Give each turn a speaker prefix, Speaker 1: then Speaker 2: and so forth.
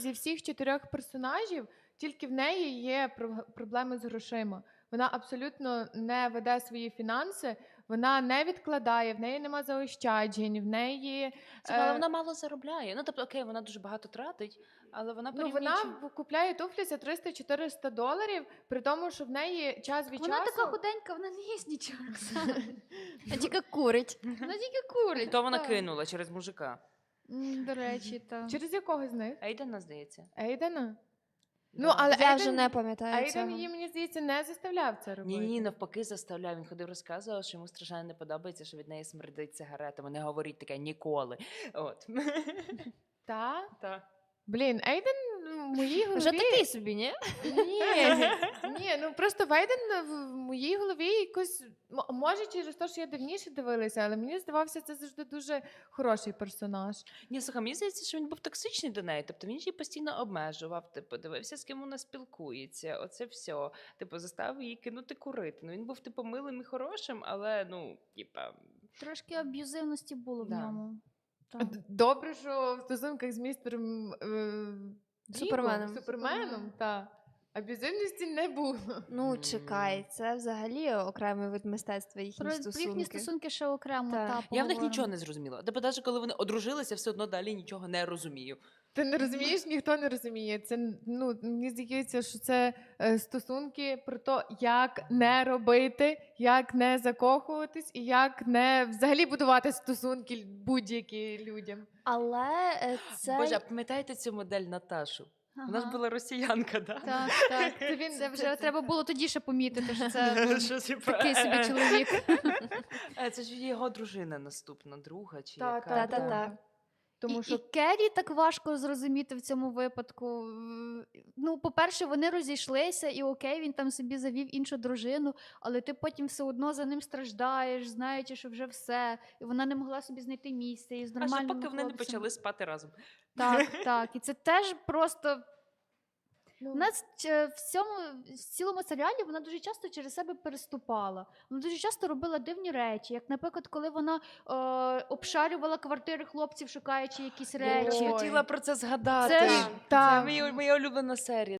Speaker 1: Зі всіх 4 персонажів тільки в неї є проблеми з грошима. Вона абсолютно не веде свої фінанси, вона не відкладає, в неї нема заощаджень, в неї...
Speaker 2: Але вона мало заробляє. Ну, тобто, окей, вона дуже багато тратить, але вона порівнюючи...
Speaker 1: вона купляє туфлі за $300-400, при тому, що в неї час від
Speaker 3: Вона
Speaker 1: часу...
Speaker 3: така худенька, вона не їсть нічого.
Speaker 4: А тільки курить.
Speaker 3: Вона тільки курить.
Speaker 2: То вона
Speaker 3: так.
Speaker 2: кинула через мужика.
Speaker 3: До речі, так.
Speaker 1: Через якого з них?
Speaker 2: Ейдена, здається.
Speaker 1: Ейдена?
Speaker 2: Да.
Speaker 1: Ну, але
Speaker 4: Я вже не пам'ятаю
Speaker 1: Ейден
Speaker 4: цього.
Speaker 1: її, мені здається, не заставляв це робити.
Speaker 2: Ні, навпаки, заставляв. Він ходив, розказував, що йому страшенно не подобається, що від неї смердить сигаретами. Не говорить таке ніколи. От.
Speaker 1: Та?
Speaker 2: Так.
Speaker 1: Блін, Ейден в моїй голові...
Speaker 4: Вже такий собі, ні?
Speaker 1: Ні, ну просто Вейден в моїй голові якось... Може, через те, що я давніше дивилася, але мені здавався, це завжди дуже хороший персонаж.
Speaker 2: Ні, слухай, мені здається, що він був токсичний до неї. Тобто він її постійно обмежував, типу, дивився, з ким вона спілкується, оце все. Типу, заставив її кинути курити. Ну, він був, типу, милим і хорошим, але, ну, типа...
Speaker 3: Трошки аб'юзивності було в
Speaker 2: Да.
Speaker 3: ньому. Так.
Speaker 1: Добре, що в стосунках з містером Суперменом, та аб'юзивності не було.
Speaker 4: Ну, чекай, це взагалі окремий вид мистецтва, їхні
Speaker 3: Про
Speaker 4: стосунки.
Speaker 3: їхні стосунки ще окремо.
Speaker 4: Так.
Speaker 3: Та,
Speaker 2: Я в них
Speaker 3: поговоримо.
Speaker 2: нічого не зрозуміла. Тобто, навіть коли вони одружилися, все одно далі нічого не розумію.
Speaker 1: Ти не розумієш, ніхто не розуміє. Це, ну, мені здається, що це стосунки про те, як не робити, як не закохуватись і як не взагалі будувати стосунки будь-які людям.
Speaker 4: Але це...
Speaker 2: Боже, а пам'ятаєте цю модель Наташу? Вона ж
Speaker 3: Ага.
Speaker 2: була росіянка, да?
Speaker 3: Так, так. Це вже треба було тоді ще помітити, що це
Speaker 2: Що, типа,
Speaker 3: такий собі чоловік.
Speaker 2: Це ж його дружина наступна, друга чи
Speaker 1: Та,
Speaker 2: яка?
Speaker 1: та, та. Тому
Speaker 3: І
Speaker 1: що
Speaker 3: Керрі так важко зрозуміти в цьому випадку. Ну, по-перше, вони розійшлися, і окей, він там собі завів іншу дружину, але ти потім все одно за ним страждаєш, знаючи, що вже все. І вона не могла собі знайти місця і з
Speaker 2: Аж
Speaker 3: нормальним
Speaker 2: поки вони не
Speaker 3: хлопцем.
Speaker 2: почали спати разом.
Speaker 3: Так, так. І це теж просто...
Speaker 1: ну,
Speaker 3: У нас в цілому серіалі вона дуже часто через себе переступала. Вона дуже часто робила дивні речі, як, наприклад, коли вона обшарювала квартири хлопців, шукаючи якісь
Speaker 2: Я
Speaker 3: речі.
Speaker 1: Ой.
Speaker 2: хотіла про це згадати.
Speaker 3: Це ж-
Speaker 2: Це
Speaker 1: та,
Speaker 2: моя улюблена серія.